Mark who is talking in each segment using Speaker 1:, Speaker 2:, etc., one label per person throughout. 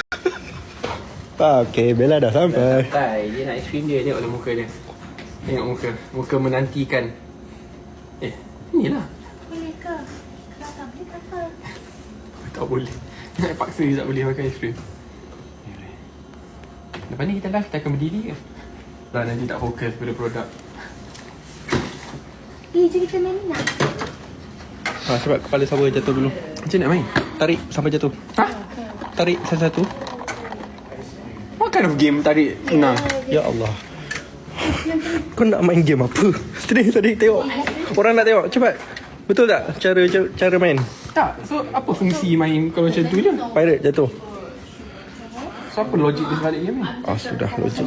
Speaker 1: Okay, Bella dah sampai.
Speaker 2: Santai, dia nak aiskrim dia. Tengok muka dia. Tengok muka. Muka menantikan. Inilah.
Speaker 3: Boleh ke? Kalau tak boleh tak apa.
Speaker 2: Tak boleh. Nak paksa dia tak boleh makan aiskrim. Lepas ni kita live, kita akan berdiri ke? Dah nanti tak fokus pada produk.
Speaker 3: Jom kita main ni nak.
Speaker 1: Sebab kepala sabar jatuh dulu.
Speaker 2: Macam nak main?
Speaker 1: Tarik sampai jatuh. Tarik satu-satu.
Speaker 2: What kind of game tarik senang?
Speaker 1: Ya Allah. Kau nak main game apa? Tadi tengok. Orang nak tengok. Cepat. Betul tak cara main?
Speaker 2: Tak. So apa fungsi main kalau macam tu je?
Speaker 1: Pirate jatuh.
Speaker 2: So apa logik di sebalik game ni?
Speaker 1: Sudah logik.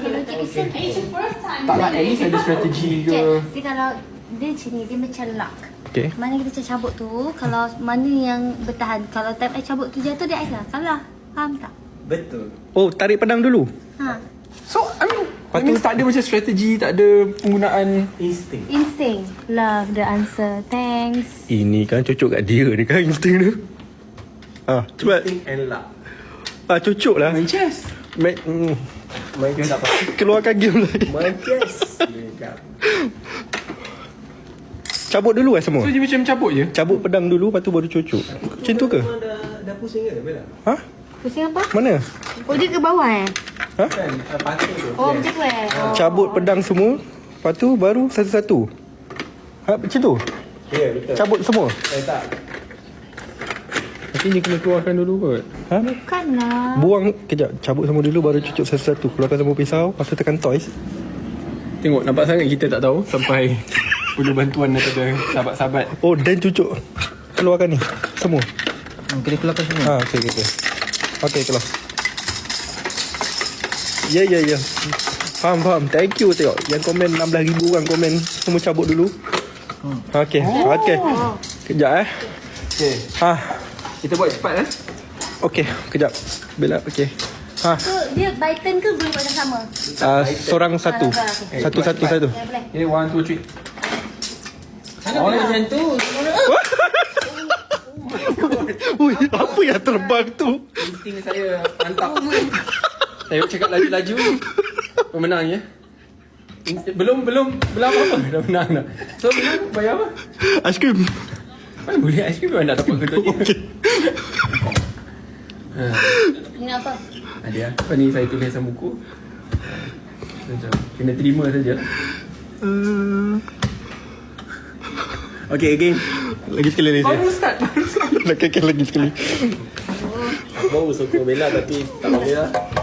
Speaker 2: Tak lah, at least ada strategi ke?
Speaker 3: Dia kalau dia macam ni, dia macam lock.
Speaker 1: Okay.
Speaker 3: Mana kita cabut tu, kalau mana yang bertahan. Kalau time I cabut tu jatuh, dia I kalah. Faham tak?
Speaker 4: Betul.
Speaker 1: Oh, tarik pedang dulu.
Speaker 2: So, I mean tak ada macam strategi, tak ada penggunaan
Speaker 3: Instinct. Love the answer. Thanks.
Speaker 1: Ini kan cocok kat dia ni kan insting tu. Cepat.
Speaker 4: Think and luck.
Speaker 1: Cocok lah.
Speaker 2: main chess.
Speaker 4: Main tak apa.
Speaker 1: Keluarkan game lagi.
Speaker 4: Main chess.
Speaker 1: Cabut dulu semua.
Speaker 2: So, dia macam cabut je?
Speaker 1: Cabut pedang dulu, lepas tu baru cocok. Macam tu ke?
Speaker 4: Dah pusing ke Bella?
Speaker 3: Pusing apa?
Speaker 1: Mana?
Speaker 3: Oh, dia ke bawah
Speaker 4: Kan patut tu.
Speaker 3: Oh, macam tu
Speaker 1: Cabut pedang semua, lepas tu baru satu-satu. Macam tu?
Speaker 4: Ya, betul.
Speaker 1: Cabut semua?
Speaker 4: Tak.
Speaker 2: Tapi ni kena keluarkan dulu kot.
Speaker 3: Bukanlah.
Speaker 1: Buang, kejap. Cabut semua dulu, baru cucuk satu-satu. Keluarkan semua pisau, lepas tu tekan toys.
Speaker 2: Tengok, nampak sangat kita tak tahu sampai perlu bantuan daripada sahabat-sahabat.
Speaker 1: Oh, dan cucuk. Keluarkan ni, semua.
Speaker 2: Kena keluarkan semua.
Speaker 1: Okay. Okay, keluar. Ya. Faham. Thank you tengok. Yang komen 16,000 orang komen. Semua cabut dulu. Okay. Kejap
Speaker 2: Okay. Kita buat cepat
Speaker 1: Okay, kejap. Bella, okay.
Speaker 3: So, dia by turn ke boleh buat yang sama?
Speaker 1: Seorang satu. Satu.
Speaker 3: Ya, boleh.
Speaker 2: Okay, 1, 2, 3.
Speaker 4: Oh, macam tu.
Speaker 1: Ui, apa yang terbang tu?
Speaker 2: Insting saya mantap. Saya cakap laju-laju. Pemenang ya. Belum apa-apa dah menang dah. So menang bayar apa?
Speaker 1: Aiskrim.
Speaker 2: Mana boleh aiskrim memang nak dapat kentut dia.
Speaker 1: Okay.
Speaker 3: Ini apa?
Speaker 2: Ada apa ni saya tulis dalam buku. Macam kena terima saja.
Speaker 1: Okay, again. Lagi sekali.
Speaker 2: Baru start.
Speaker 1: Lagi sekali.
Speaker 4: Baru sokong Bella tapi tak boleh lah.